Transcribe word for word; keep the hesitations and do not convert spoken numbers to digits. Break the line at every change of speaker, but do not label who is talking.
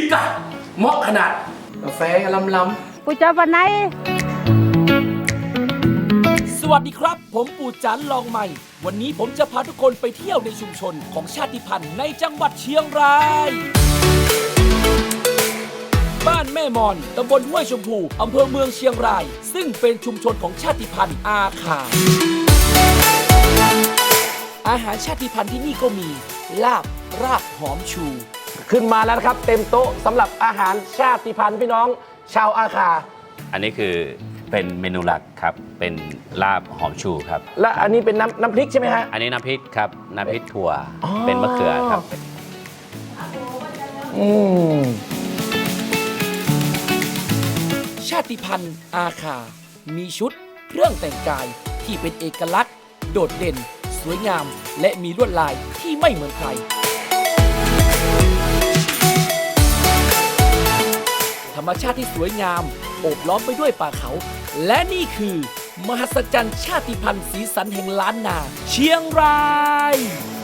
กะเหมาะขนาดกาแฟล้ำๆ
ปู่จะวันไหน
สวัสดีครับผมปู่จันลองใหม่วันนี้ผมจะพาทุกคนไปเที่ยวในชุมชนของชาติพันธุ์ในจังหวัดเชียงรายบ้านแม่มอนตำบลห้วยชมพูอำเภอเมืองเชียงรายซึ่งเป็นชุมชนของชาติพันธุ์อาคาอาหารชาติพันธุ์ที่นี่ก็มีลาบรากหอมชู
ขึ้นมาแล้วนะครับเต็มโต๊ะสำหรับอาหารชาติพันธุ์พี่น้องชาวอาคา
อันนี้คือเป็นเมนูหลักครับเป็นลาบหอมชูครับ
และอันนี้เป็นน้ำน้ำพริกใช่ไหมฮะ
อันนี้น้ำพริกครับน้ำพริกถั่วเป็นมะเขือครับ
อืม
ชาติพันธุ์อาคามีชุดเครื่องแต่งกายที่เป็นเอกลักษณ์โดดเด่นสวยงามและมีลวดลายที่ไม่เหมือนใครธรรมชาติที่สวยงามโอบล้อมไปด้วยป่าเขาและนี่คือมหัศจรรย์ชาติพันธุ์สีสันแห่งล้านนาเชียงราย